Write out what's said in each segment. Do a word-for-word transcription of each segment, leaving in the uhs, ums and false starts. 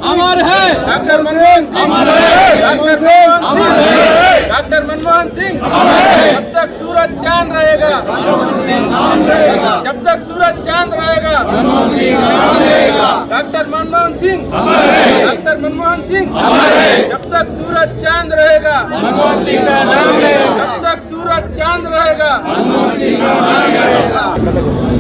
अमर है, डॉक्टर मनमोहन सिंह अमर है, डॉक्टर मनमोहन अमर है, डॉक्टर मनमोहन सिंह अमर है। जब तक सूरज चांद रहेगा, जब तक सूरज चांद रहेगा, डॉक्टर मनमोहन सिंह अमर है, डॉक्टर मनमोहन सिंह अमर है। जब तक सूरज चांद रहेगा, मनमोहन सिंह का नाम रहेगा, जब तक सूरज चांद रहेगा, मनमोहन सिंह का नाम रहेगा।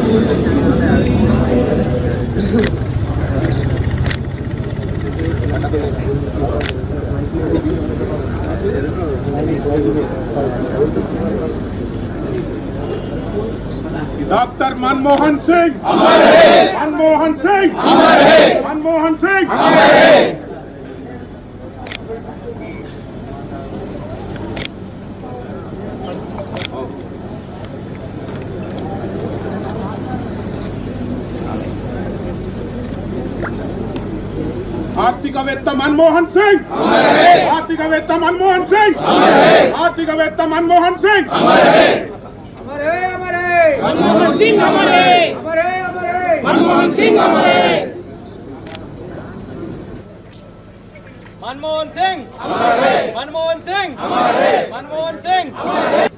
डॉक्टर मनमोहन सिंह अमर है, मनमोहन सिंह अमर है, मनमोहन सिंह अमर है। ఆర్థికవేత్త మన్మోహన్ సింగ్ ఆర్థికవేత్త మన్మోహన్ సింగ్ ఆర్థికవేత్త మన్మోహన్ సింగ్ मनमोहन सिंह अमर है, मनमोहन सिंह अमर है, मनमोहन सिंह अमर है, मनमोहन सिंह अमर है, मनमोहन सिंह अमर है।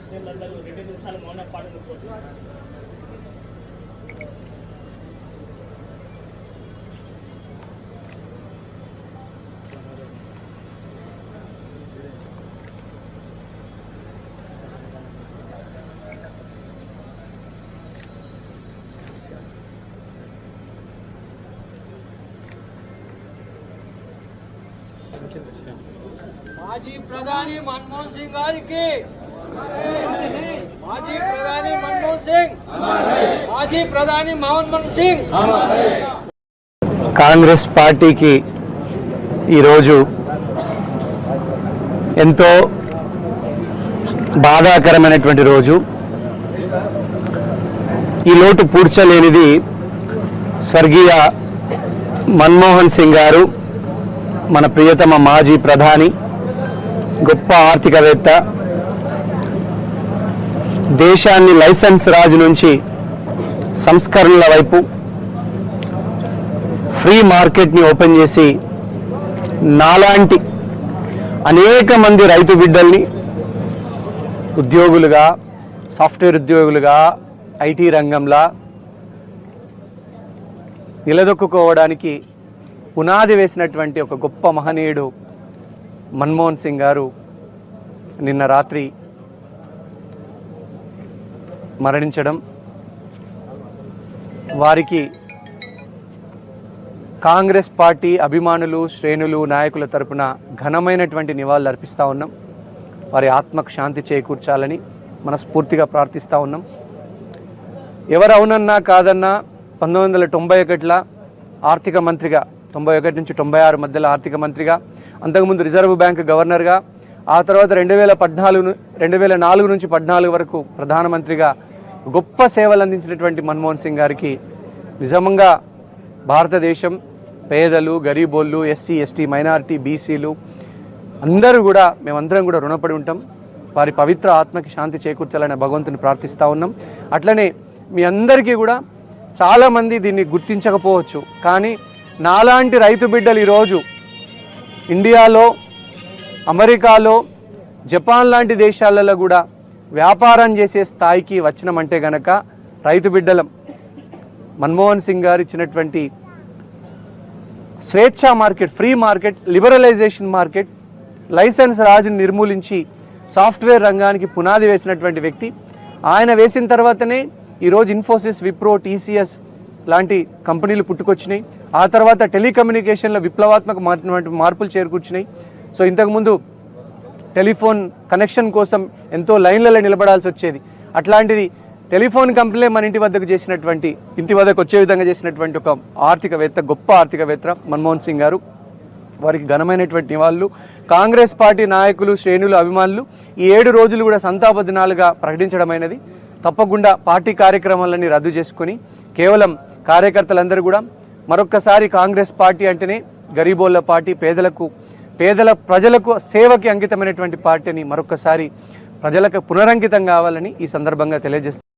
మాజీ ప్రధాని మన్మోహన్ సింగ్ గారికి, మాజీ ప్రధాని మన్మోహన్ సింగ్, మాజీ ప్రధాని మన్మోహన్ సింగ్. కాంగ్రెస్ పార్టీకి ఈరోజు ఎంతో బాధాకరమైనటువంటి రోజు. ఈ లోటు పూడ్చలేనిది స్వర్గీయ మన్మోహన్ సింగ్ గారు, మన ప్రియతమ మాజీ ప్రధాని, గొప్ప ఆర్థికవేత్త, దేశాన్ని లైసెన్స్ రాజు నుంచి సంస్కరణల వైపు, ఫ్రీ మార్కెట్ని ఓపెన్ చేసి నాలాంటి అనేక మంది రైతు బిడ్డల్ని ఉద్యోగులుగా, సాఫ్ట్వేర్ ఉద్యోగులుగా, ఐటీ రంగంలో నిలదొక్కుకోవడానికి పునాది వేసినటువంటి ఒక గొప్ప మహనీయుడు మన్మోహన్ సింగ్ గారు నిన్న రాత్రి మరణించడం, వారికి కాంగ్రెస్ పార్టీ అభిమానులు, శ్రేణులు, నాయకుల తరపున ఘనమైనటువంటి నివాళులు అర్పిస్తూ ఉన్నాం. వారి ఆత్మకు శాంతి చేకూర్చాలని మనస్ఫూర్తిగా ప్రార్థిస్తూ ఉన్నాం. ఎవరు అవునన్నా కాదన్నా పంతొమ్మిది వందల తొంభై ఒకటిలో ఆర్థిక మంత్రిగా, తొంభై ఒకటి నుంచి తొంభై ఆరు మధ్యలో ఆర్థిక మంత్రిగా, అంతకుముందు రిజర్వ్ బ్యాంక్ గవర్నర్గా, ఆ తర్వాత రెండు వేల పద్నాలుగు రెండు వేల నాలుగు నుంచి పద్నాలుగు వరకు ప్రధానమంత్రిగా గొప్ప సేవలు అందించినటువంటి మన్మోహన్ సింగ్ గారికి నిజంగా భారతదేశం, పేదలు, గరీబోళ్ళు, ఎస్సీ ఎస్టీ, మైనారిటీ, బీసీలు అందరూ కూడా, మేమందరం కూడా రుణపడి ఉంటాం. వారి పవిత్ర ఆత్మకి శాంతి చేకూర్చాలని భగవంతుని ప్రార్థిస్తూ ఉన్నాం. అట్లనే మీ అందరికీ కూడా చాలామంది దీన్ని గుర్తించకపోవచ్చు, కానీ నాలాంటి రైతు బిడ్డలు ఈరోజు ఇండియాలో, అమెరికాలో, జపాన్ లాంటి దేశాలలో కూడా వ్యాపారం చేసే స్థాయికి వచ్చినామంటే గనక రైతు బిడ్డలం. మన్మోహన్ సింగ్ గారు ఇచ్చినటువంటి స్వేచ్ఛా market, free market, liberalisation market, licence రాజుని నిర్మూలించి సాఫ్ట్వేర్ రంగానికి పునాది వేసినటువంటి వ్యక్తి. ఆయన వేసిన తర్వాతనే ఈరోజు ఇన్ఫోసిస్, విప్రో, టీసీఎస్ లాంటి కంపెనీలు పుట్టుకొచ్చినాయి. ఆ తర్వాత టెలికమ్యూనికేషన్లో విప్లవాత్మక మార్పులు చేరుకూర్చున్నాయి. సో ఇంతకుముందు టెలిఫోన్ కనెక్షన్ కోసం ఎంతో లైన్లలో నిలబడాల్సి వచ్చేది. అట్లాంటిది టెలిఫోన్ కంపెనీ మన ఇంటి వద్దకు చేసినటువంటి, ఇంటి వద్దకు వచ్చే విధంగా చేసినటువంటి ఒక ఆర్థికవేత్త, గొప్ప ఆర్థికవేత్త మన్మోహన్ సింగ్ గారు. వారికి ఘనమైనటువంటి నివాళులు. కాంగ్రెస్ పార్టీ నాయకులు, శ్రేణులు, అభిమానులు ఈ ఏడు రోజులు కూడా సంతాప దినాలుగా ప్రకటించడమైనది. తప్పకుండా పార్టీ కార్యక్రమాలన్నీ రద్దు చేసుకుని కేవలం కార్యకర్తలందరూ కూడా మరొక్కసారి కాంగ్రెస్ పార్టీ అంటేనే గరీబోళ్ళ పార్టీ, పేదలకు పేదల ప్రజలకు సేవకి అంకితమైనటువంటి పార్టీని మరొక్కసారి ప్రజలకు పునరంకితం కావాలని ఈ సందర్భంగా తెలియజేస్తారు.